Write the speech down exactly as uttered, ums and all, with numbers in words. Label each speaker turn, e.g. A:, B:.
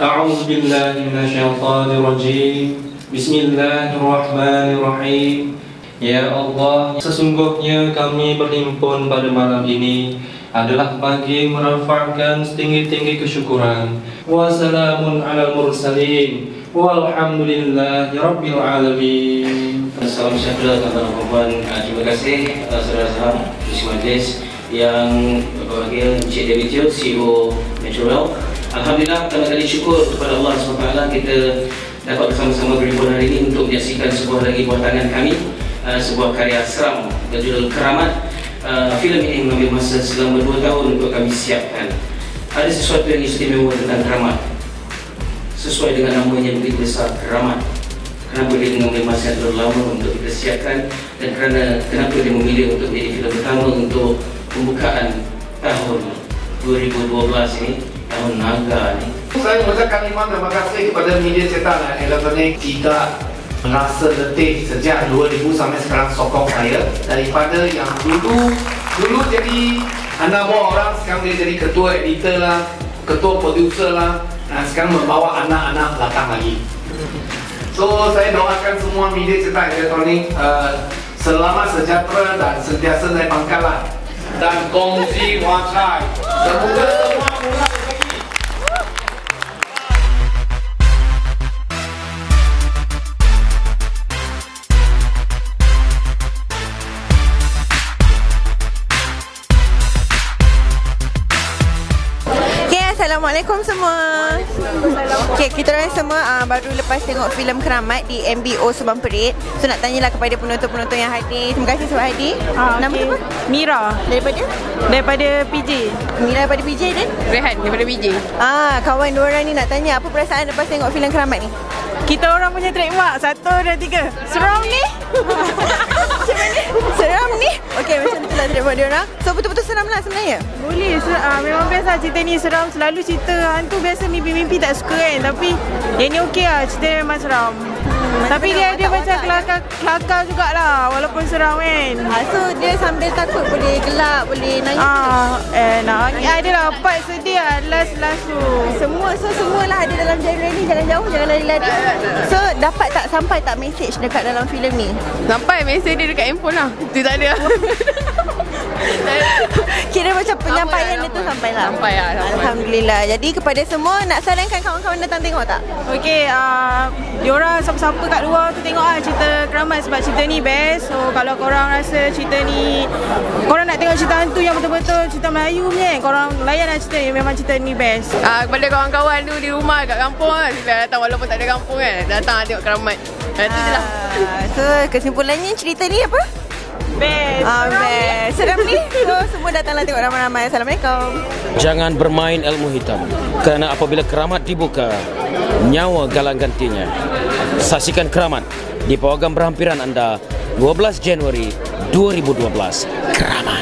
A: A'udzu billahi minasyaitonir rajim. Bismillahirrahmanirrahim. Ya Allah, sesungguhnya kami berhimpun pada malam ini adalah bagi merafa'kan setinggi-tinggi kesyukuran. Wassalamun ala mursalin walhamdulillahi rabbil alamin.
B: Salam sejahtera tuan-tuan dan puan. Terima kasih saudara-saudara Kursi Majlis yang berbahagia, Encik David Teo, C E O Metrowell. Alhamdulillah, kami kali syukur kepada Allah subhanahu wa taala kita dapat bersama-sama berhimpun hari ini untuk menyaksikan sebuah lagi buah tangan kami, uh, sebuah karya seram berjudul Keramat. Uh, filem ini mengambil masa selama dua tahun untuk kami siapkan. Ada sesuatu yang istimewa tentang Keramat. Sesuai dengan namanya begitu besar, Keramat. Kenapa dia mengambil masa yang terlalu lama untuk kita siapkan, dan kerana kenapa dia memilih untuk menjadi filem pertama untuk pembukaan tahun dua ribu dua belas ini, tahun naga ni.
C: Saya mengucapkan terima kasih kepada media cetak dan elektronik. Tidak merasa letih sejak dua ribu sampai sekarang sokong saya. Daripada yang dulu dulu jadi anak buah orang, sekarang dia jadi ketua editor lah, ketua producer lah, dan sekarang membawa anak-anak belakang lagi. So saya doakan semua media cetak elektronik uh, selamat, sejahtera dan sentiasa naik pangkat lah, dan kongsi wacai. Semoga semua mulai lagi.
D: Assalamualaikum semua. Okay, kita orang semua uh, baru lepas tengok filem Keramat di M B O Subang Perit. So nak tanyalah kepada penonton-penonton yang hadir. Terima kasih sebab hadir.
E: Ah,
D: Nama
E: okay.
D: apa?
E: Mira.
D: Daripada?
E: Daripada P J.
D: Mira daripada P J dan?
E: Rehan daripada P J.
D: Ah, kawan dua orang ni nak tanya apa perasaan lepas tengok filem Keramat ni?
E: Kita orang punya trademark satu dan tiga. Seram ni.
D: Macam mana? Seram ni? Okey, macam tu lah trademark dia orang. So betul-betul seram lah sebenarnya?
E: Boleh, ser- uh, memang biasa cerita ni seram. Selalu cerita hantu biasa mimpi-mimpi tak suka kan. Tapi yang ni okey lah, cerita dia memang seram. Hmm, tapi dia ada macam kelakar, kelakar jugalah walaupun seram kan.
D: Ah, so dia sambil takut boleh gelak, boleh nangis.
E: Ah, eh nangis. Adalah part sedih lah, last-last tu.
D: Semua, so semualah ada dalam genre ni. Jangan jauh, jangan lari-lari. So dapat tak, sampai tak message dekat dalam filem ni?
E: Sampai mesej dia dekat handphone lah. Dia tak ada.
D: Kira macam penyampaian dia tu sampai lah.
E: Sampai lah, sampai.
D: Alhamdulillah. Jadi kepada semua, nak sarankan kawan-kawan datang tengok tak?
E: Okey, uh, diorang siapa-siapa kat luar tu tengok lah cerita Keramat sebab cerita ni best. So kalau korang rasa cerita ni, korang nak tengok cerita hantu yang betul-betul cerita Melayu punya kan, korang layan lah cerita ni, memang cerita ni best. Uh, kepada kawan-kawan tu di rumah kat kampung lah, sila datang walaupun tak ada kampung kan, datang lah tengok Keramat. Uh, tu je lah.
D: So kesimpulannya cerita ni apa?
E: Best.
D: Ah, best. Seram ni. So semua datanglah tengok ramai-ramai. Assalamualaikum.
F: Jangan bermain ilmu hitam, kerana apabila Keramat dibuka, nyawa galang gantinya. Saksikan Keramat di pawagam berhampiran anda dua belas Januari dua ribu dua belas. Keramat.